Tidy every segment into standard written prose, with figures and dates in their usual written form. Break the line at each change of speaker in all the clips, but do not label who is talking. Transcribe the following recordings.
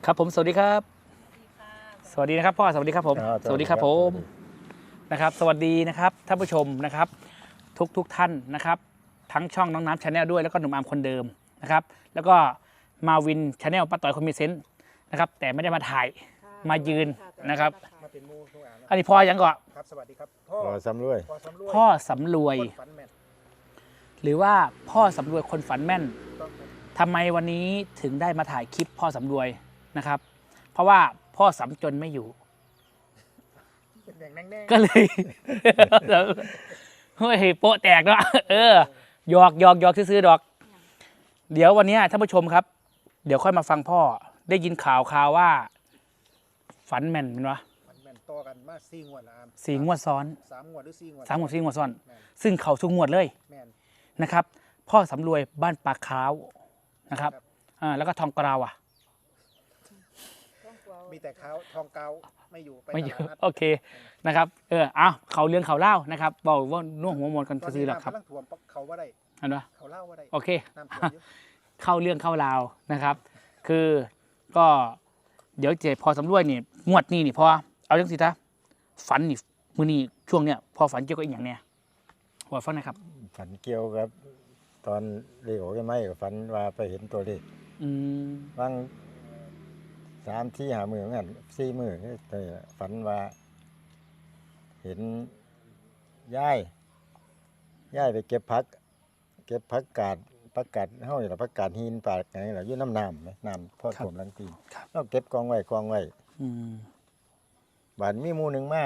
ครับผมสวัสดีครับสวัสดีนะครับพ่อสวัสดีครับผมสวัสดีครับผมนะครับสวัสดีนะครับท่านผู้ชมนะครับทุกท่านนะครับทั้งช่องน้องน้ำชาแนลด้วยแล้วก็หนุ่มอาร์มคนเดิมนะครับแล้วก็มาวินชาแนลป้าต่อยคนมีเซนส์นะครับแต่ไม่ได้มาถ่ายมายืนนะครับ
มาเป็นมูทุกอ่าน
อันนี้พ่อยังก่อน
ครับสวัสดีครับพ่อ
สำรวย
พ่อสำรวย
คนฝันแม่น
หรือว่าพ่อสำรวยคนฝันแม่น
ต้องครับ
ทำไมวันนี้ถึงได้มาถ่ายคลิปพ่อสำรวยนะครับเพราะว่าพ่อสำจนไม่อยู่
เป็นแดงแน่
ก็เลย เฮ้ยโปะแตกเนาะหยอกซื้อๆดอก เดี๋ยววันนี้ท่านผู้ชมครับ เดี๋ยวค่อยมาฟังพ่อได้ยินข่าวว่า ฝันแม่นเป็นวะ
ฝันแม่นต่อกันมา4 งวดละอาม
4 งวดซ้อน
3 งวดหรือ4 งวด
3 งวด4 งวดซ้อน
แม่น
ซึ่งเขาทุกงวดเลย
แม่น
นะครับ พ่อสำรวยบ้านปากคร้าวนะครับแล้วก็ทองกราวอ่ะ
มีแต่เขาทองเกาไม่อยู่ไป
ไม่เย
ต
อะ
ลาดนัด
โอเคนะครับเขาเรื่องเขาเล่านะครับบอกว่าน่วงหัวมนกัน
ตอน
ซื้
นี้
อหรอกครับ
น้ำกำลังท่วมเขาว่าได้
อันวะ
เขาเล่าว่าได้
โอเค
น้ำท่วมเยอะ
เข้าเรื่องเข้าราวนะครับ คือก็เดี๋ยวเจพอสำรวยนี่งวดนี้นี่พอเอาเรื่องสิทะฝันนี่มือนี่ช่วงเนี้ยพอฝันเกี่ยวกับอีกอย่างเนี้ยพอฟังหนะครับ
ฝันเกี่ยวกับตอนเลขออกได้ไหมก็ฝันว่าไปเห็นตัวเลข
อืม
บาง3 ที่5 มือเหมือนกัน4 มือแต่ฝันว่าเห็นย่ายไปเก็บผักกาดเฮานี่ล่ะผักกาดหินปากอย่างนี้ล่ะอยู่น้ำไหมน้ำพอท่วมหลังตีนเราเก็บกองไว้
อืม
บาดมีหมู่หนึงมา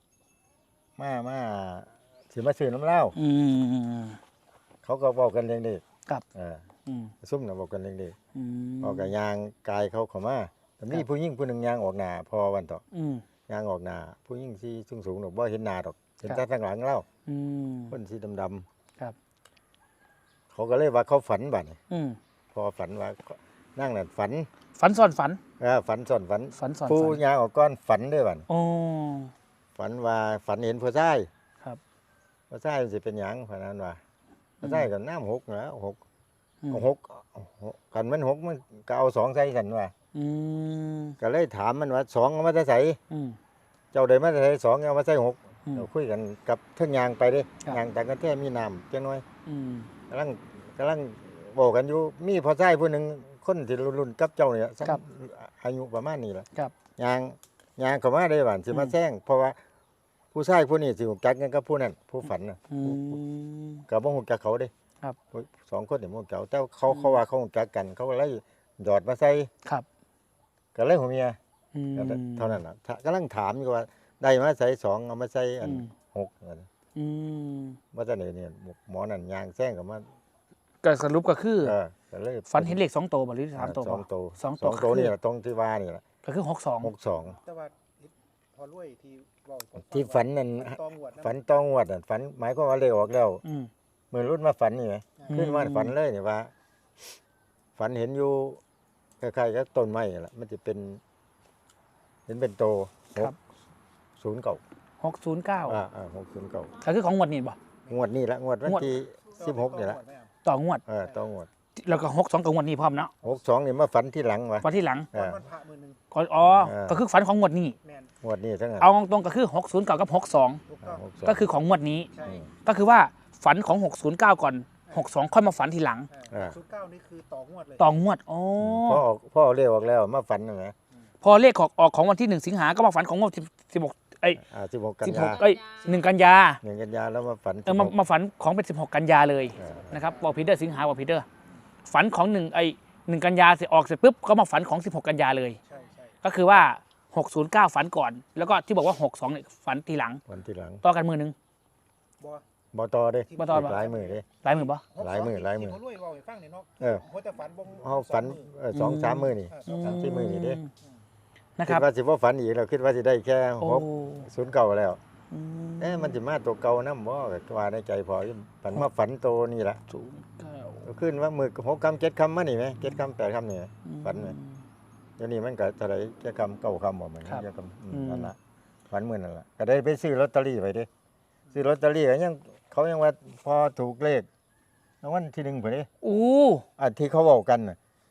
สิมาซื้อน้ำเหล้า
อืม
เขาก็บอกกันเรื่องเด็ก
ครับ อืม
ซุ่มน่ะบอกกันเรื่องเด็ก
อืม
ออกกับยางกายเขาเข้ามาแต่มีผู้หญิงผู้หนึงยางออกหน้าพอวันต่อ
อืม
ยางออกหน้าผู้หญิงที่สูงๆดอกบ่เห็นหน้าดอกเห็น
ครั
แต่
บ
ทางหลังเล่า
อืม
คนสีดำ
ครับ
ๆเขาก็เลยว่าเขาฝันบัดนี้
อืม
พอฝันว่านั่งนั่นฝัน
ฝันซ้อนฝัน
ฝันซ้อนฝัน
ฝันซ้อน
ผู้
ฝัน
ยางออกก้อนฝันเด้อบัด
โอ้
ฝันว่าฝันเห็นผู้ชาย
ครับ
ผู้ชายมันสิเป็นหยังฝันนั้นว่าผู้ชายก็น้ำหกนะหก
อืม
หกกันมันหกมันก็เอา2ใส่กันว่า
อืม
ก็เลยถามมันว่า2เอามาแต่ใส่
อืม
เจ้าได้มาแต่ใส่2เอามาใส่6
อืม
เราคุยกันกับเทิงยางไปเด้
ครับ
ยางแต่กันแท้มีน้ำจังน้อย
อืม
กำลังบอกกันอยู่มีพ่อชายผู้หนึงคนที่รุ่นกับเจ้าเนี่ยสัก
ครับ
อายุประมาณนี้แหละ
ครับ
ยางเข้ามาได้บ้านสิมา
อืม
แซงเพราะว่าผู้ชายผู้นี้สิฮู้จักกันกับผู้นั้นผู้ฝันน่ะ
อืม
ก็บ่ฮู้จักเขาเด้
ครับ
สองคนนี่บ่ฮู้จักแต่เขาว่าเขาฮู้จักกันเขาก็เลยหยอดมาใส่
ครับ
ก็เลยหัวเมีย
อืม
เท่านั้นน่ะกำลังถามอยู่ว่าได้มาใส่2เอามาใส่อัน
อืม
6อัน
อืม
ว่าจะไหนเนี่ยหมอนั่นยางแซงกับมา
ก็สรุปก็คือ
ก็เลย
ฝันเห็นเลข2 ตัวบ่หรือ3 ตัว
สองตัว
สอง
สองตัว
คือ
นี่แหละตรงที่ว่านี่แหละ
ก็คือ62
62
แต่ว่าพอรวยที่เว้าผมฟัง
ที่ฝันนั่น
ว่าตองวด
ฝันต้องวดน่ะฝันหมายความว่าเลขออกแล้ว
อืม
มือรุ่นมาฝันนี่ไง
อืม
ขึ้นมาฝันเลยนี่ว่า ฝันเห็นอยู่คล้ายๆกับต้นไม้นั่นแหละมันจะเป็น เห็นเป็นโต
ครับ
609
609
609
ก็คือของงวดนี้บ่
งวดนี้ละงวดวัน
งวด
ที่16นี่ละ
ต่องวด
ต้องงวด
แล้วก็62กับงวดนี้พร้อมเนาะ
62นี่มาฝันที่หลังวะ
วันที่หลัง
เออ
วันพระมื้อหนึง
ก็
เออ
ก็คือฝันของงวดนี้
แม่น
งวดนี้ทั้งนั้น
เอาตรงๆก็คือ60กับ62
ถูกต้อง
62
ก็คือของงวดนี้
ใช่
ก็คือว่าฝันของ609ก่อน62ค่อยมาฝันทีหลัง
09นี่คือต่องวดเลย
ต่องวดอ๋อ
พ่อเรียกออกแล้วมาฝันนะ
พอเลขออกของวันที่1 สิงหาก็มาฝันของงวด16เอ้ย
16 กันยา
16เอ้ย1 กันยา
1 กันยาแล้วมาฝัน
มาฝันของเป็น16 กันยาเลย
เออ
นะครับบอกพีเตอร์สิงหาบอกพีเตอร์ฝันของ1 กันยาเสร็จออกเสร็จปุ๊บก็มาฝันของ16 กันยาเลย
ใช่ใช่
ก็คือว่า609ฝันก่อน แล้วก็ที่บอกว่า62เนี่ยฝันทีหลัง
วันที่หลัง
ต่อกันมือหนึง
บ่
บ่ต่อเด้
บ่ต่อ
หลายมือเด้
หลายมือปะ
หลายมื้อหลายมื้อ
ที่พอรวยเว้าให้ฟังนี่เนาะ
เออ
หัวแต่ฝันบ่
เฮาฝัน 2-3 มื้อนี่
สอง
ที่มือนี่เด้
นะค
คิ
รั
ด
บ
ว่าสิบ่ฝันอีกแล้วคิดว่าสิได้แค่
โอ้
609แล้ว
อืม
มันสิมาตัวเก่านำบ่ก็ว่าในใจพอฝันมาฝันโตนี่ล่ะ
09
ขึ้นว่ามื้อ6คำ7คำมานี่แหม7คำ8คำนี่ฝันไหมเดี๋ยวนี้มันก็เท่าไหร่7คำ9คำบ่แม่น7คำนั่นล่ะฝันมื้อนั่นล่ะก็ได้ไปซื้อลอตเตอรี่ไว้เด้ซื้อลอตเตอรี่ก็ยังเขายังว่าพอถูกเลขรางวัลที่1พุ่นเด้
อู้
ที่เขาเว้ากันน่ะ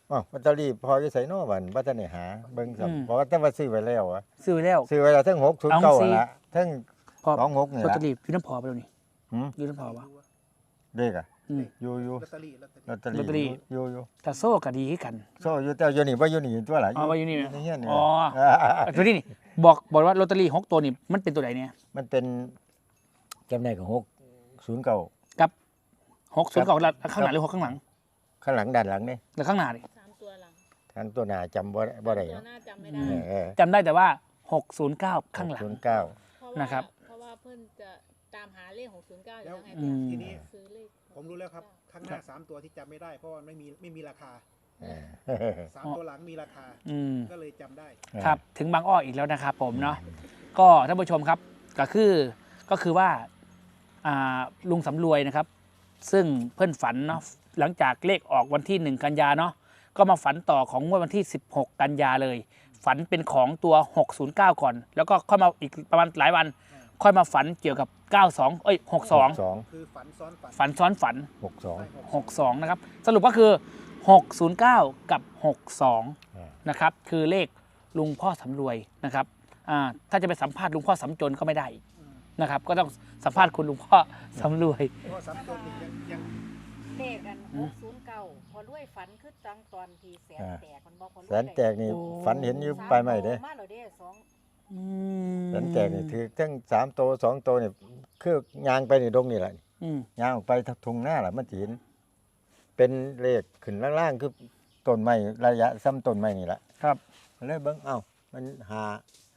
อ้าวลอตเตอรี่พออยู่ไสเนาะบัดบ่ทันได้หาเบิ่งซ้ํเพราะว่าแต่ว่าซื้อไว้แล้วอะ
ซื้อไว้แล้ว
ซื้อไว้แล้วทั้ง609
เอาสิ
นั่นล่ะทั้ง
พอ
26นี่
ลอต
ล่ะ
เตอรี่อยู่น้ำพอไปแล้วนี่
หืม
อยู่น้ำพอวะ
เด็กอ่ะ
อืม
อยู่
ลอตเตอรี่
ลอตเตอ
ลอตเตอรี่
รี่อยู่
แต่โซ่ก็ดีคือกัน
โซ่อยู่แต่อยู่นี่บ่อยู่นี่ตัวล่ะ
อ๋อว่าอยู่นี่
ในเฮียนนี่
อ๋อตัวนี้นี่บอกว่าลอตเตอรี่6ตัวนี่มันเป็นตัวไหนเนี่ย
มันเป็นจำได้ก็609
กับ6 0 9ข้างหน้าหรือ6ข้างหลัง
ข้างหลังด้านหลังนี่
หรือข้างหน้าดิ
3 ตัวหลัง
ทางตัวหน้าจำบ่ได้
ตัว
เนาะ
หน้าจำไม่ได้
เออ
จำได้แต่ว่า 609 ข้างหลัง
609
เพราะว่า
นะครับ
เพราะว่าเพิ่นจะตามหาเลข609อยู่แล้วไง
อืม
ทีนี้
ซื้อเลข
ผมรู้แล้วครับ ข้างหน้า3ตัวที่จำไม่ได้ เพราะว่าไม่มีราคา
เออ
3 ตัวหลังมีราคา
อืม
ก็เลยจำได้
ครับถึงบางอ้ออีกแล้วนะครับผมเนาะก็ท่านผู้ชมครับก็คือว่าลุงสำรวยนะครับ ซึ่งเพื่อนฝันเนาะหลังจากเลขออกวันที่ 1 กันยาเนาะก็มาฝันต่อของงวดวันที่ 16 กันยาเลย ฝันเป็นของตัว 609 ก่อน แล้วก็ค่อยมาอีกประมาณหลายวัน ค่อยมาฝันเกี่ยวกับ 92 62
คือฝันซ้อนฝัน
ฝันซ้อนฝัน
62
62 นะครับ สรุปก็คือ 609 กับ 62 นะครับ คือเลขลุงพ่อสำรวยนะครับถ้าจะไปสัมภาษณ์ลุงพ่อสำจนก็ไม่ได้นะครับ ก็ต้องสัมภาษณ์คุณลุงพ่อสำรวย
เพราะว่า3ตัวนี่ยัง
เลขกัน609พอรวยฝันคือจังตอนที่แสนแตกมันบ่พอรวย
แสนแตกนี่
โอ้
ฝันเห็นอยู่ปลายไม้เด้
มาแล้วเด้สอง
แสนแตกนี่ถือทั้ง3โต2โตนี่คือย่างไปนี่ดงนี่แหละ
อืม
ย่างออกไปทุ่งหน้าล่ะมันสิเห็นเป็นเลขขึ้นล่างๆคือต้นไม้ระยะซ้ำต้นไม้นี่แหละ
ครับ
เลยเบิ่งเอ้ามันหา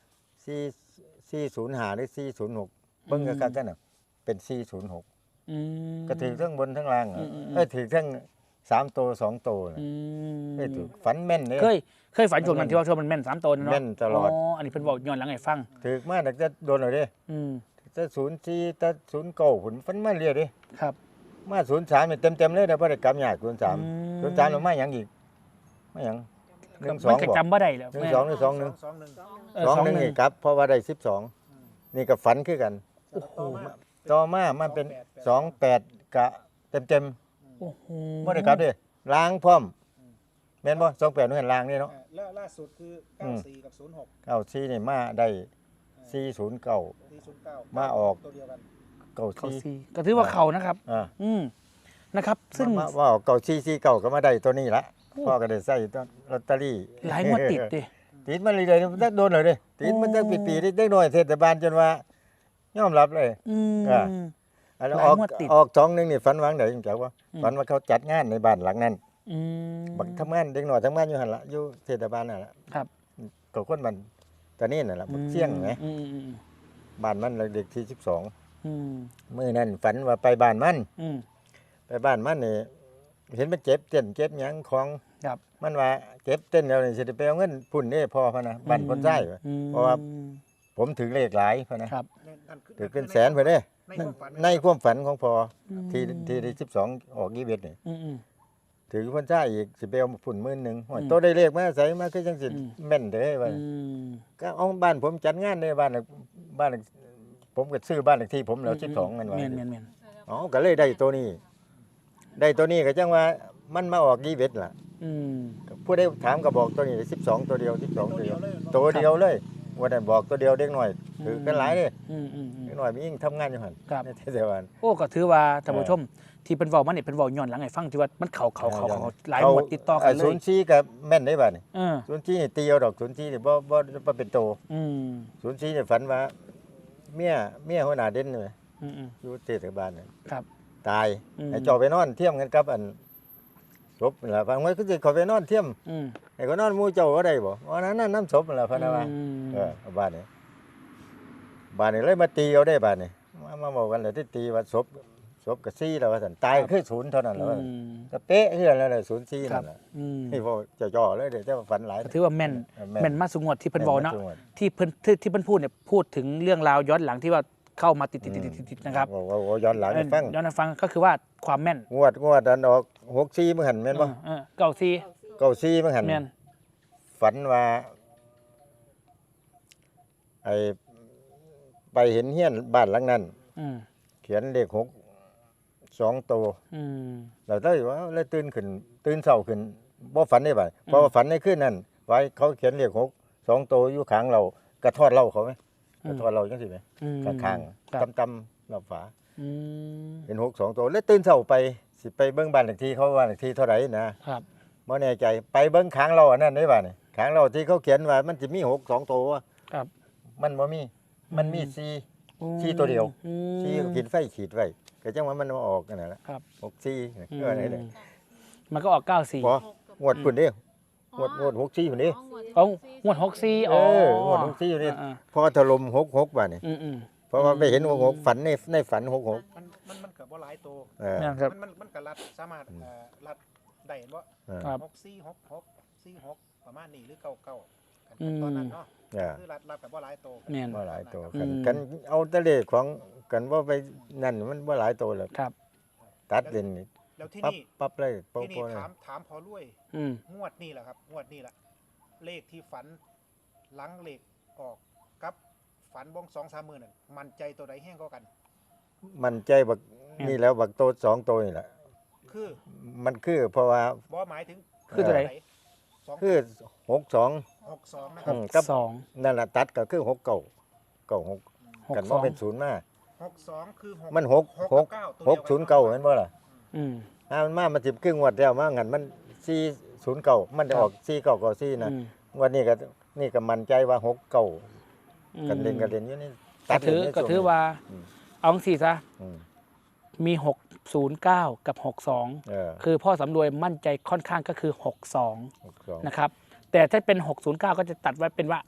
405หรือ406เบิ่งกันกันน่ะเป็น406
อืม
ก็ถือทั้งบนทั้งล่างอะ
อืม
ถือทั้ง3โต2โตน่ะ
อืม
ถือฝันแม่นเด้
เคยฝันช่วงนั้นที่ว่าช่วงมันแม่น3 ตัวเนาะ
แม่นตลอด
อันนี้เพิ่นบอกย้อนหลังให้ฟัง
ถือมาแต่จะโดนเลยเด้
อืม
แต่04แต่09ผลฝันมาเรื่อยเด้
ครับ
มา03นี่เต็มๆเลยแต่บ่ได้กำยาก03
อืม
03แล้วมาหยังอีกมาหยัง
มัน
12
ก็
บ่
จำบ่ได้แล้ว
หนึ่ง
แม่
สองหรือ2 1
2 1
2 1นี่ครับเพราะว่าได้12นี่ก็ฝันคือกัน ต่อมามันเป็น28กะเต็ม
โอ้โห
ๆบ่ได้กลับเด้ล้างพร้อมแม่นบ่28นู่นล้างนี่เนาะ
แล้วล่าสุดคือ94กับ06
94นี่มาได้409
409
มาออก
ตัวเดียวกัน
เขา
94
ซีก็ถือว่าเขานะครับ
อ่า
อืมนะครับ ซึ่ง
ว่าออก9449ก็มาได้ตัวนี้ละพ่อก็ได้ใส่ตัวลอตเตอรี่
หลายงวดติดดิ
ติดมาเรื่อยๆมันจะโดนเลยเด้ติดมันจะปีๆได้น้อยเทศบาลจนว่ายอมรับเลย
อืม
อ่า อันนั้น
หลายงวดติด
ออก2 1นี่ฝันวางได้จังจักว่า
อืม
ฝันว่าเขาจัดงานในบ้านหลังนั้น
อืม
บักทำงานเด็กน้อยทำงานอยู่หั่นล่ะอยู่เทศบาลนั่นล่ะ
ครับ
ก็คนมันตอนนี้นั่นล่ะบักเสี่ยงไหม
อืม
บ้านมันเด็กที่12
อืม
มื้อนั้นฝันว่าไปบ้านมัน
อืม
ไปบ้านมันนี่เห็นมันเจ็บเต้นเจ็บหยังของ
ครับ
มันว่าเจ็บเต้นแล้วนี่สิได้ไปเอาเงินพุ่นเด้พ่อพะนะบ้านคนใช้
อืม
เพราะว่าผมถึงเลขหลายพะนะครับ
นั่นคือ
ถึงเป็นแสนเพิ่นเด้
ในความฝัน
ในความฝันของพ่อ
อืม
ที่ได้12ออก21นี่
อืม
ถือคนใช้อีกสิไปเอาพุ่น10,000โอ้ยโตได้เลขมาใส่มาคือจังสิ
อืม
แม่นเด้ว่า
อืม
ก็เอาบ้านผมจัดงานในบ้านผมก็ซื้อบ้านเลขที่ผมแล้ว12มันว่า
แม่น
อ๋อก็เลยได้ตัวนี้ ได้ตัวนี้ก็จังว่ามันมาออก21ล่ะ
อืม
ผู้ใดถามก็บอกตัวนี้12ตัวเดียว12
ตั
ตัว ว
เดี
เดี
ย
ยว ว
เลย
ตัวเดียวเลยวันนั้นบอกตัวเดียวเด็กน้อยถือกันหลายเด้
อืม
เด็กน้อยมียิ่งทำงานอยู่หั่น
ครับ
ในเทศบาล
โอ้ก็ถือว่าท่านผู้ชม ที่เป็นเว้ามาเนี่ยเป็นเว้าย้อนหลังให้ฟังที่ว่ามันเขาหลายหมวดติดต่อกันเล
ศู
ย
นย์ชี้กับแม่นได้บัดนี่
เออ
ศูนย์ชี้นี่ตีเอาดอกศูนย์ชี้นี่บ่เป็นโต
อืม
ศูนย์ชี้นี่ฝันว่าเมียหัวหน้าเด่นนี่
อืม
อยู่เทศบาลนี่
ครับ
ตาย
อืม
ให้เจาะไปนอนเทียมกันกับอันศพนั่นล่ะฟังไว้คือสิเขาไปนอนเทียม
อืม
ให้เขานอนหมู่เจ้าก็ได้บ่ว่านั้นน้ำศพนั่นล่ะพะนะว่า เอาบ้านนี้เลยมาตีเอาได้บ้านนี้มาบอกกันเลยที่ตีว่าศพกับซี่แล้วว่าสันตายคือศูนย์เท่านั้นแล้วว่าก็เป๊ะคือแล้วเลยศูนย์ซี่
ครั
นั่
บ
นแหละ
อืม
นี่พอจะจ่อเลยเดี๋ยวจะฝันหลาย
ก็ถือว่าแม่น
แม่น
แม่นมาสุงวดที่เพิ่นเว้าเนาะ
แม่นมาสุงวด
ที่เพิ่นพูดเนี่ยพูดถึงเรื่องราวย้อนหลังที่ว่าเข้ามาติดนะครับ
ว่าย้อนหลังให้ฟัง
ย้อนให้ฟังก็คือว่าความแม่น
งวดอันออก64มื้อหันแม่นบ่
เก่าซี
94มื้อหัน
แม่น
ฝันว่าไอ้ไปเห็นเฮียนบ้านหลังนั้น
อืม
เขียนเลข6 2ตัว
อืม
เราได้ว่าเลยตื่นเช้าขึ้นบ่ฝันได้บ่เพราะว่าฝันในคืนนั้นไว้เขาเขียนเลข6 2ตัวอยู่ข้างเรากระทอดเหล้าเขาไหมกระทอดเหล้าจังซี่ไหม
อืม
ข้าง
ครับ
ๆตำๆรอบฝา
อืม
เป็น6 2ตัวแล้วตื่นเช้าไปสิไปเบิ่งบ้านเลขที่เขาว่าเลขที่เท่าไหร่นะครับ บ่แน่ใจไปเบิ่งข้างเราอันนั้นได้บ่นี่ข้างเราที่เขาเขียนว่ามันสิมี6 2ตัว
ครับ
มันบ่มีมันมี4 4ตัวเดียว
อืม
4ก็กินไฟขีดไว้ก็จังว่ามันมาออกนั่นแหละ
ครับ
6 4ก็อะไรเลย
มันก็ออก94
บ่งวดพุ่นเด้งวด6 4พุ่นเด้
เอางวด64
เอองวด6 4อยู่นี่
อ่า
พอถล่ม6 6บ่นี่
อืม
เพราะว่าไปเห็น6 6ฝันในฝัน6 6
มันเกิดบ่หลายตัว
เออ
นะครับ
มันก็รัดสามารถรัดได้บ่
เออ
ครับ
6 4 6 6 4 6ประมาณนี้หรือ99กัน
อืม
ตอนนั้นเนาะ
เออ
คือรัดแบบบ่หลายตัว
แม่น
บ่หลายตัว
อื
กัน
ม
กันเอาแตะเลขของกันว่าไปนั่นมันบ่หลายตัวแล้ว
ครับ
ตัดเล่นนี่
แล้วที่
ปั๊บ
นี่
ปั๊บเลยโป๊
ที่นี่
ะๆเลย
ถามพอรวย
อืม
งวดนี่แหละครับงวดนี่แหละเลขที่ฝันหลังเลขออกกับฝันบ้อง2-3 มื้อนั่นมันใจตัวใดแห้งก็กัน
มันใจบักนี่แล้วบักโต2ตัวนี่แหละ
คือ
มันคือเพราะว่า
บ่หมายถึง
คือตัวไหน
คือ 62
62นะครับ
กับ
สอง
นั่นล่ะตัดก็คือ6 9 9 6กันว่าเป็น0มา
62คือ6
มัน6 6 6 0 9แม่นบ่ล่ะ
อืม
มันมาสิบครึ่งงวดแล้วมางั้นมัน409มันจะออก4994นะ
อืม
งวดนี้ก็นี่ก็มั่นใจว่า6 9
อืม
กันเล่นอยู่นี่
ก็ถือ
เล่นใน
ก็
ช่วง
ถือ
นี้
ว่า
อืม
เอาจังซี่ซะ
อืม
มี 609 กับ 62
เออ
คือพ่อสำรวยมั่นใจค่อนข้างก็คือ 62
62
นะครับ แต่ถ้าเป็น 609 ก็จะตัดไว้เป็นว่า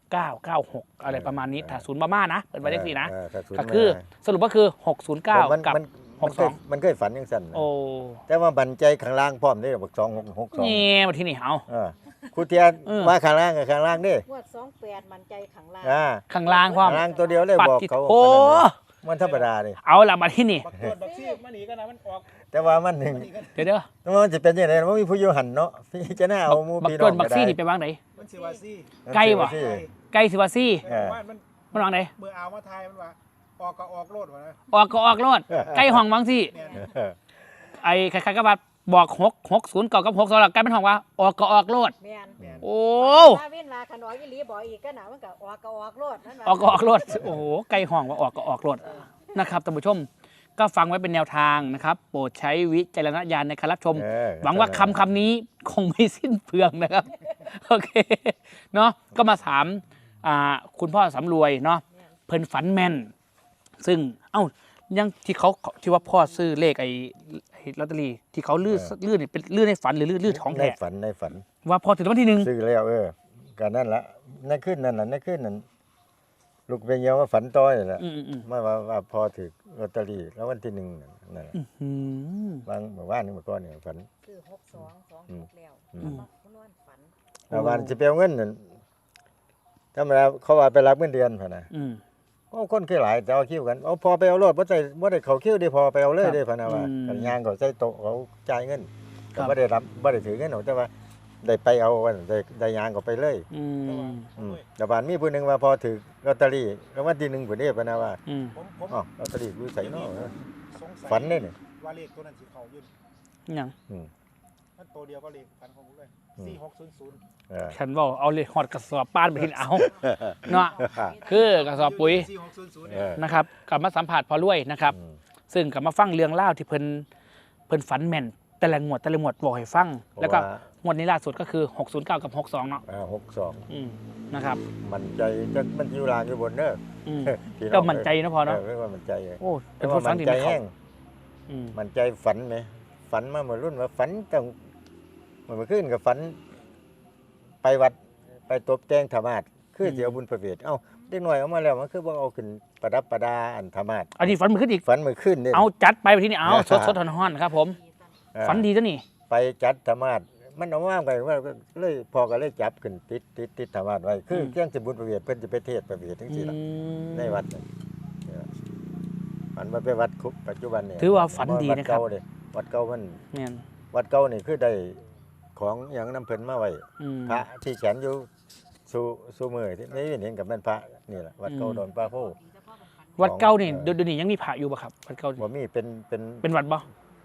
6996 อะไรประมาณนี้ ถ้าศูนย์ประมาณนะเป็นไปได้สินะ
ถ้าศูนย์
ก็คือ
มา
สรุปก็คือ 609
มัน
กับ
มันเคยฝันยังสั่นนะ
โอ้
แต่ว่าบันใจข้างล่างพร้อมได้บัก2 6
นี่
2
มาที่นี่เอา
ครูเทียน
เออ
ว่าข้างล่างกับข้างล่างเด้
งวด28มันใจขังล่าง
ข้างล่างพร้อม
ข้างล่างตัวเดียวเลย
ปัด
บอก
จิต
เขา
โอ้
มันธรรมดาเลย
เอาละมาที่นี่
บักตัวบักซี่มาหนีกันนะมันออก
แต่ว่ามันหนึ่ง
มาหนีกัน
เดี๋ยวเด้อ
มันจะเป็นยังไงมันมีผู้อยู่หันเนาะพี่จะน่าเอาหมู
บัก
พี่
ต้
น้อน ง
บักซี่นี่ไปวางไหน
มันสิว่าซี่
ใกล้วะ
สิ
ใกล้สิว่าซี่
เออ
ว่ามัน
มันวางไหน
เมื่อเอามาทายมันว่าออกก็ออกโลดวะนะ
ออกก็ออกรถใกล้ห้องวางซี่
เนี่ย
เออ
ไอ้ใครๆก็ว่าบอก660กับ62แล้วกลายเป็นห้องว่าออกก็ออกรถ
แม่น
เนี่ย
โอ้
ถ้าเว้นว่าคันออกอีหลีบอกอีกก็หนามันก็ออกก็ออกโลดนั่นว่า
ออกก็ออกรถโอ้โหใกล้ห้องว่าออกก็ออกรถนะครับท่านผู้ชมก็ฟังไว้เป็นแนวทางนะครับ โปรดใช้วิจารณญาณในการรับชม
เออ
หวังว่าคำนี้คงไม่สิ้นเปลืองนะครับ โอเคเนาะก็มาถามคุณพ่อสำรวยเนาะเพิ่นฝันแม่น ซึ่งยังที่ว่าพ่อซื้อเลขไอ้ลอตเตอรี่ที่เขาลื่นเนี่ยเป็นลื่นในฝันหรือลื่นของ
ใน
แท้
ฝันในฝัน
ว่าพอถึงรางวัลที่หนึ่ง
ซื้อแล้วก็นั่นละในขึ้นนั่นน่ะในขึ้นนั้นลูกเป็นเยาว่าฝันต้อยแหละ
อืม
ว่าพอถือลอตเตอรี่แล้ววันที่1นั่นแหละ
อืม
บางเมื่อวานนี่เมื่อก่อนนี่ฝัน
คือ6226แล้ว
อืม
มาคุณนอนฝัน
แล้ววันสิไปเอาเงินนั่นธรรมดาเขาว่าไปรับเงินเดือนพุ่นน่ะ
อืม
โอ้คนคือหลายแต่เอาคิวกันเอาพอไปเอารถบ่ได้เข้าคิวได้พอไปเอาเลยได้พุ่นน่ะว่า
อืม
กันย่างก็ใส่โต๊ะเขาจ่ายเงิน
ครั
ก็
บ
บ่ได้รับบ่ได้ถือเงินเอาแต่ว่าได้ไปเอาวันได้ย่างก็ไปเลย
อืม
แต่บ้านมีผู้หนึงว่าพอถือลอตเตอรี่แล้ววันที่1พุ่นเด้พุ่นน่ะว่า
อืม
ผม
อ๋อลอตเตอรี่อยู่ไสเนาะ
สงสัย
ฝันเด้นี่
ว่าเลขตัวนั้นสิเข้าอยู่
ยัง
อืม
มันตัวเดียวก็เลขฝันของผมเลย
อืม
4600
เออ
ฉันบอกเอาเลยหอดกระสอบป้านไปที่เอาเนาะคือกระสอบปุ๋ย
4600
เอ
เนี่ย
อ
นะครับกลับมาสัมผัสพอรวยนะครับ
อืม
ซึ่งกลับมาฟังเรื่องเล่าวที่เพิ่นฝันแม่นแต่ละงวดบอกให้ฟัง แล้วก็งวดนี้ล่าสุดก็คือ 609 กับ 62 เนาะ
62
อืมนะครับ
มันใจจักมันอยู่ลางอยู่บนเด้อ
อืม
พี่น้อง
ก็มั่นใจนะพอเนาะ
เรียกว่ามันใจ
โอ้
แต่
เป็น
ว่า
ผู้ฟั
มั
ง
น
ที่
ใจ
ไม่เข้า
แห้ง
อืม
มันใจฝันไหมฝันมาเมื่อรุ่นว่าฝันต้องเมื่อคืนกับฝัน ไปวัดไปตบแต่งธรรมาสคือเดี๋ยวบุญประเวทเอ้าเด็กหน่อยเอามาแล้วมันคือว่าเอาขึ้นประดับประดาอันธรรมาส
อันนี้ฝันมันขึ้นอีก
ฝันเมื่อคืนนี่
เอาจัดไปที่นี่เอาสดๆฮ้อนๆครับผม
เออ
ฝันดีจ้ะนี่
ไปจัดธรรมาสมันเอาว่างไปว่าเลยพอก็เลยจับขึ้นติดธรรมาสไว้คือเที่ยงสิบุญประเวทเพิ่นจะไปเทศน์ประเวททั้ง
อื
สี่ละ
ม
ในวัดน่ะมันมาไปวัดคุกปัจจุบันเนี่ย
ถือว่าฝันดีนะครับ
วัดเก่ามัน
แม่น
วัดเก่านี่คือได้ของอย่างน้ำเพิ่นมาไว้
อืม
พระที่แขวนอยู่สู่มือที่ไม่เห็นกับแม่นพระนี่แหละวัดเก่า
อืม
ดอนปลาโพ
วัดเก่านี่เดี๋ยวนี้ยังมีพระอยู่ป่ะครับวัดเก่านี่
บ่มีเป็น
เป็นวัดบ่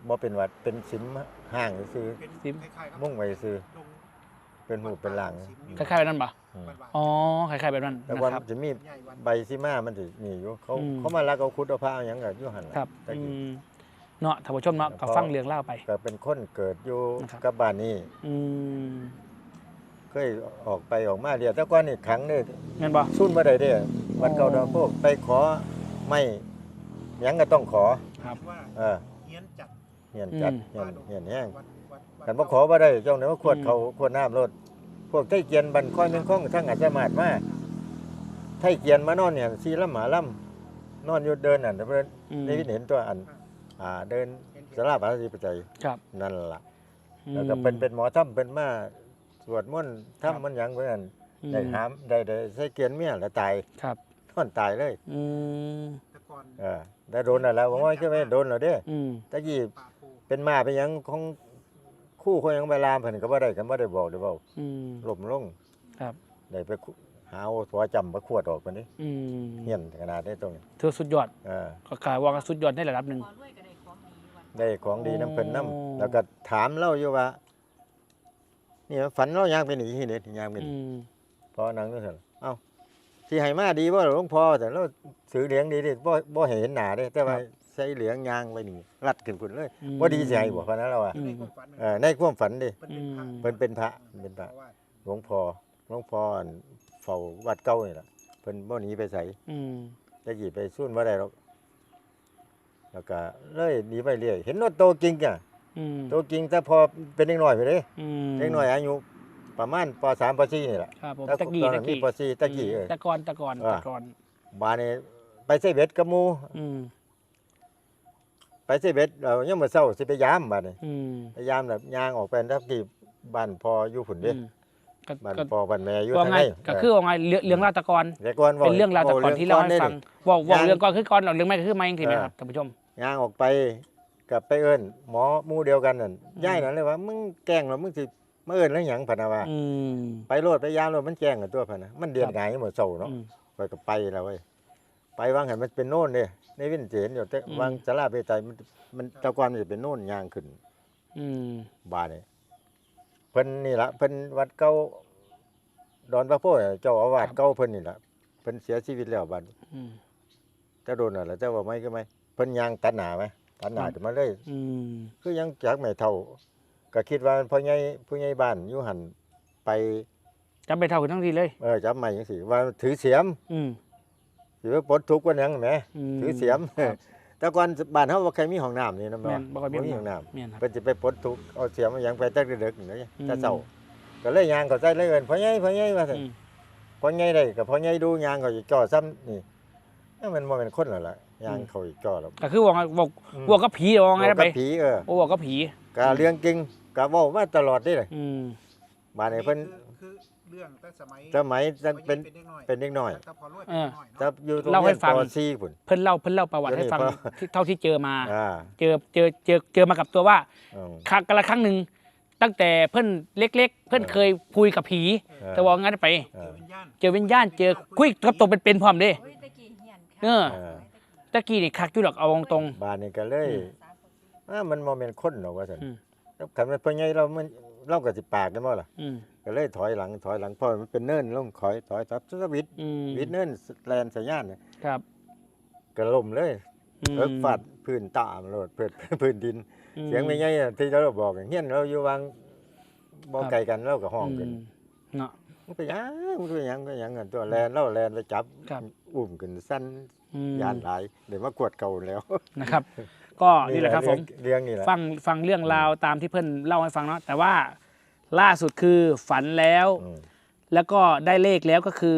บ่เป็นหวัดเป็นสิมห่างซื่อ
เป็น
ซิม
คล้ายๆกับ
มุ่งไว้ซื่อ
ดง
เป็นหูเป็นหลัง
คล้ายๆแบบนั้นปะ
อืม
บ้านๆ
อ๋อคล้ายๆแบบนั้น
แต่
นะ
ว่า
ครับ
จะมี
ใหญ่วัน
ใบซิมามันสิมีอยู่เขา
อืม
เขามาลักเอาคุดเอาผ้าเอาหยังก็อยู่หั่นล่ะ
ครับ
แต่กี้
เนาะท่านผู้ชมเนาะก็ฟังเรื่องเล่าไป
ก็เป็นคนเกิดอยู่
นะครับ
กับบ้านนี้
อืม
เคยออกไปออกมาเดียวแต่ก่อนนี่ขังนี่
เงินบ่
สู้บ่ได้เด้วัดเก่า
อ๋อ
ดอนโพไปขอไม่หยังก็ต้องขอ
ครับ
ว่า
เออ
เฮียนจัด
เหียนจัด
อืม
เหียนแห้ง
วัด
กันบ่ขอบ่ได้เจ้าเนี่ยว่าขวดเขาขวดน้ำรถพวกไทเกียนบันค่อยเมืองคงทั้งอาจจะมาดมาไทเกียนมานอนเนี่ยสีลำหมาลำนอนอยู่เดินอันเพิ่น
อืม
ได้เห็นตัวอันเดินสาราปาสิปัจจัย
ครับ
นั่นล่ะแล้วก็เป็นหมอถ้ำเป็นมาสวดมนต์
ครับ
ถ้ำมันหยังเพิ่น
อืม
ได้หามได้ใส่เกียนเมียแล้วตาย
ครับ
นอนตายเลย
อืม
แต่ก่อน
ได้โดนน่ะแล้วว่าใช่ไหมโดนแล้วเด้
อืม
ตะกี้
ป่าโพ
เป็นมาเป็นหยังของคู่คนยังไปลามเพิ่นก็บ่ได้กันบ่ได้บอกได้เว้า
อืม
ล้มลง
ครับ
ได้ไปหาเอาตัวจำมาขวดออกปานนี้
อืม
เฮียนขนาดนี้ตรงนี้
ถือสุดยอด
อ่า
ก็กลายว่าสุดยอดในระดับหนึ่ง
พอรวยก็ได้ของดีวัน
ได้ของดีน้ำเพิ่น
โอ้
น้ำแล้วก็ถามเล่าอยู่ว่า นี่ฝันเราย่างเป็นอีกทีเด็ดย่างเป็น
อืม
พอนังนึกเห็นเอ้าที่ให้มาดีบ่หลวงพ่อแต่เราสือเหลียงดีดิบ่ให้เห็นหน้าเด้แต่ว่าใส่เหลียงยางไว้นี่รัดขึ้นพุ่นเลยบ่ดีสิให้บ่เพราะนั้นเราอ่ะ
อืม
ในความฝัน
ในความฝันดิ
เพิ่นเป็นพระ
เป็นพระ
เพราะว่า
หลวงพ่ออันเฝ้าวัดเก่านี่ล่ะเพิ่นบ่หนีไปไส
อืม
ตะกี้ไปสู้บ่ได้หรอกแล้วก็เลยหนีไปเรื่อยเห็นรถโตจริงอ่ะ
อืม
โตจริงแต่พอเป็นเด็กน้อยไปเด้
อืม
เด็กน้อยอายุประมาณป .3 ป .4 นี่แหละ
ครับผม
แล้ว
ตะกี้
ตอน
ตะ
นั้นมี
กี้
ป .4 ตะกี้
ตะกอนตะกอน
อ่า
ตะกอน
บาดนี้ไปเซเบ็ดกับหมู่
อืม
ไปเซเบ็ดเรายังมื้อเช้าสิไปยามบาดนี้
อืม
ไปยามแบบย่างออกไปทับที่บ้านพ่ออยู่พุ่นเด้
อืมก็
บ้าน
ก็
พ่อบ้านแม่อยู่
ว่า
ทาง
ไง
ไหน
ก็คือว่าไงเรื่องราวตะกอน
แต่ก่อน
เป็นเรื่องราวตะกอนที่เล่าให้ฟังว่า
ย่าง
เรื่องก่อนคือก่อนเราเรื่องไม่ก็คือไม่จริงๆนะครับท่านผู้ชม
ย่างออกไปกับไปเอิ้นหมอหมู่เดียวกันนั่นยายนั่นเลยว่ามึงแกล้งแล้วมึงสิมาเอิ้นแล้วหยังพะนะว่า
อืม
ไปโลดไปยามโลดมันแจ้งกันตัวพะนะมันเดือน
ครับ
หงายหมดเศร้าเนาะ
อืม
ไปก็ไปแล้วเว้ยไปวางหันมันเป็นโน่นเด้ในวินเจนอยู่แต่
อืม
วางสลาเปไตมันแตะกอนมันจะเป็นโน่นยางขึ้น
อืม
บาดนี่เพิ่นนี่ละเพิ่นวัดเก่าดอนพระโพธิ์เจ้าอาวาสเก่าเพิ่นนี่ละเพิ่นเสียชีวิตแล้วบัด
อืม
แต่โดนน่ะล่ะแต่ว่าไม่ก็ไม่เพิ่นยางตัดหน้าไหมตัดหน้าจะมาเลย
อืม
คือยังจักไม่เท่า ก็คิดว่าพ่อใหญ่ผู้ใหญ่บ้านอยู่หันไป
จำไปเท่ากันทั้งทีเลย
จับไม้จังซี่ว่าถือเสียม
อืม
สิไปปลดทุกข์ว่าหยังแหม
ม
ถือเสียม
ครับ
แต่ก่อนบ้านเฮาบ่เคยมีห้องน้ำนี่นะ
แม่นบ่ค่อยมี
ห้องน้ำ
แม่นครับ
เพิ่นสิไปปลดทุกข์เอาเสียมมาหยังไปแต่ดึกๆนี่
อืม
แต่เช้าก็เลยย่างเข้าใจเลยเอิ้นพ่อใหญ่ว่าซั่น
อืม
พ่อใหญ่ได้ก็พ่อใหญ่ดูย่างเขาอีกจ่อซ้ำนี่มันบ่แม่นคนแล้วล่ะย่างเขาอีกจ่อแล้ว
ก็คือว่าไงบอกก็ผีว่าไงนะไป
บอกกับผี
โอ้บอกก็ผี
ก็เรื่องจริงก็เว้ามาตลอดนี่แหละ
อืม
บ้านนี้เพิ่น
คือเรื่องแต่สมัย
สมัยนั้นเป็น
ด็กน้อย
เป็นเด็กน้อย
แต่พอรวยเป็นเด็กน้อย
ถ้า
เนาะ
อยู่ตรง
เล่าให้
เรียน
ฟัง
ป .4 พุ่น
เพิ่นเล่าประวัติให้ฟัง
เดี๋ยวนี้
ที่เท่าที่เจอมา
อ่า
เจอมากับตัวว่า
อืม
ครั้งกันละครั้งหนึ่งตั้งแต่เพิ่นเล็ก ๆ เพิ่นเคยคุยกับผี แต่ว่างั้นไป
เออ
เจอวิญญาณ
เจอคุยกับตัวเป็นพร้อมเด้
โอ้ยตะกี้เฮียน
เออ ตะกี้นี่คักอยู่ดอกเอาตรง
บ้านนี้ก็เลย มันบ่แม่นคนหรอกว่าซั่น
อืม
คันมันเพิ่นใหญ่เราก็สิปากได้บ่ล่ะ
อืม
ก็เลยถอยหลังเพราะมันเป็นเนินลงถอยทับสวิต
อืม
วิดเนินแลนสัญญาณน่ะ
ครับ
ก็ล่มเลย
อืม
ฟาดพื้นตามโลดพื้นดิน
อื
เสียงไม่ใหญ่อะที่เราบอกเฮียนเราอยู่วางบ่ไกลกันเราก็ห้องกัน
อืมเนาะ
มันก็ยังกันตัวแลนเราแลนไปจับ
ครับ
อุ้มขึ้นสั้น
อืม
ยานหลายเดี๋ยวมากวดเก่าแล้ว
นะครับ ก็นี่แหละครับผม
เรื่องนี่แหละ
ฟังเรื่องราวตามที่เพื่อนเล่าให้ฟังเนาะแต่ว่าล่าสุดคือฝันแล้ว
อืม
แล้วก็ได้เลขแล้วก็คือ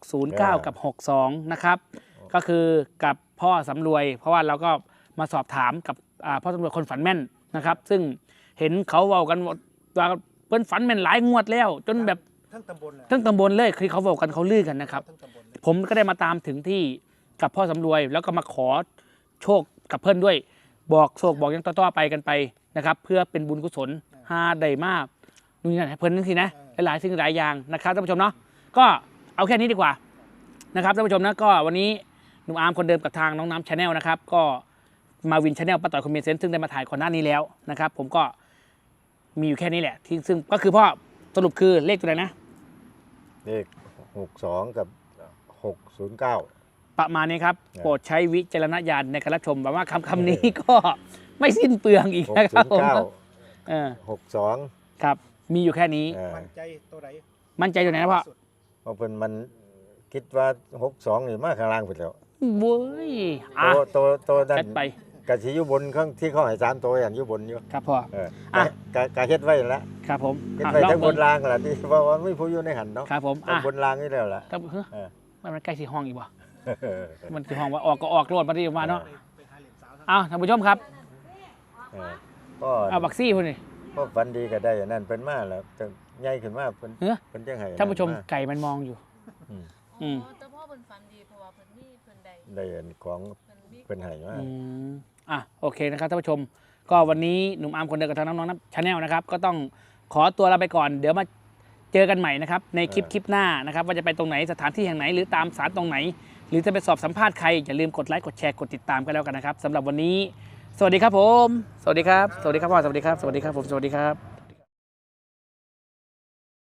609 กับ 62 นะครับ ก็คือกับพ่อสำรวย เพราะว่าเราก็มาสอบถามกับพ่อสำรวยคนฝันแม่นนะครับ ซึ่งเห็นเขาเว้ากันว่าเพิ่นฝันแม่นหลายงวดแล้ว จนแบบ
ทั้งตำบลน่ะ
ทั้งตำบลเลยคือเขาเว้ากันเขาลือกันนะครับ
ทั้งตำบลเลย
ผมก็ได้มาตามถึงที่กับพ่อสำรวย แล้วก็มาขอโชคกับเพื่อนด้วย บอกโชคบอกยังต่อๆไปกันไปนะครับ เพื่อเป็นบุญกุศลหาได้มากนู่นนี่นั่นให้เพื่อนนั่นสินะหลายๆสิ่งหลายอย่างนะครับท่านผู้ชมเนาะก็เอาแค่นี้ดีกว่านะครับท่านผู้ชมนะก็วันนี้หนุ่มอาร์มคนเดิมกับทางน้องน้ำชาแนลนะครับ ก็มาวินชาแนลป้าต่อยคอมเมนเซนต์ซึ่งได้มาถ่ายก่อนหน้านี้แล้วนะครับ ผมก็มีอยู่แค่นี้แหละที่ซึ่งก็คือพ่อสรุปคือเลขตัวไหนนะ
เลข62กับ609
ประมาณนี้ครับ
ครับ
โปรดใช้วิจารณญาณในการรับชมแบบว่าคำนี้ก็ไม่สิ้นเปลืองอีกนะครับผมเออ
62
ครับ มีอยู่แค่นี้
มั่นใจตัวไหน
มั่นใจอยู่ไหนนะพ่อ
สุด
เพราะเพิ่นมันคิดว่า62นี่มาข้างล่างพุ่นแล้ว
เว้ยอ่ะ
ตัวนั้น
จัดไป
กะสิอยู่บนข้างที่เขาให้3ตัวอย่างอยู่บนอยู่
ครับพ่อ
อ่ะกะเฮ็ดไว้แล้ว
ครับผม
เฮ็ด
อ่ะ
ไว้
ลอง
ทั้งบ
เบิ่
น
ง
รางล่ะที่ว่ามันมีผู้อยู่ในหันเนาะ
ครับผม
ทั้ง
อ่ะ
บนรางนี่แล้วล่ะ
ครับเฮ้ย
เออ
มันใกล้สีห้องอีกบ่มันคือห้องว่าออกก็ออกโลดมาที่มาเนาะ
ไปหาเหรียญสาว
อ้าวท่านผู้ชมครับ
เออก็
เอาบักซี่พุ่นนี่
ก็ฝันดีก็ได้อันนั้นเพิ่นมาแล้วจังใหญ่ขึ้นมาเพิ่น
เฮ้ย
เพิ่นจังให้
ท่านผู้ชม
มา
ไก่มันมองอยู่
อืม
อืม
แต่พ่อเพิ่นฝันดีเพราะว่าเพิ่นมีเพิ่นใด
ได้อันของ
เพิ่นมี
เพิ่นให้มา
อืมอ่ะโอเคนะครับท่านผู้ชม ก็วันนี้หนุ่มอาร์มคนเดิมกับทางน้องๆนะชาแนลนะครับ ก็ต้องขอตัวลาไปก่อน เดี๋ยวมาเจอกันใหม่นะครับในคลิปหน้านะครับว่าจะไปตรงไหนสถานที่แห่งไหนหรือตามสารตรงไหน หรือจะไปสอบสัมภาษณ์ใครอย่าลืมกดไลค์กดแชร์กดติดตามกันแล้วกันนะครับสำหรับวันนี้ สวัสดีครับผม สวัสดีครับ สวัสดีครับพ่อสวัสดีครับ สวัสดีครับผม สวัสดีครับ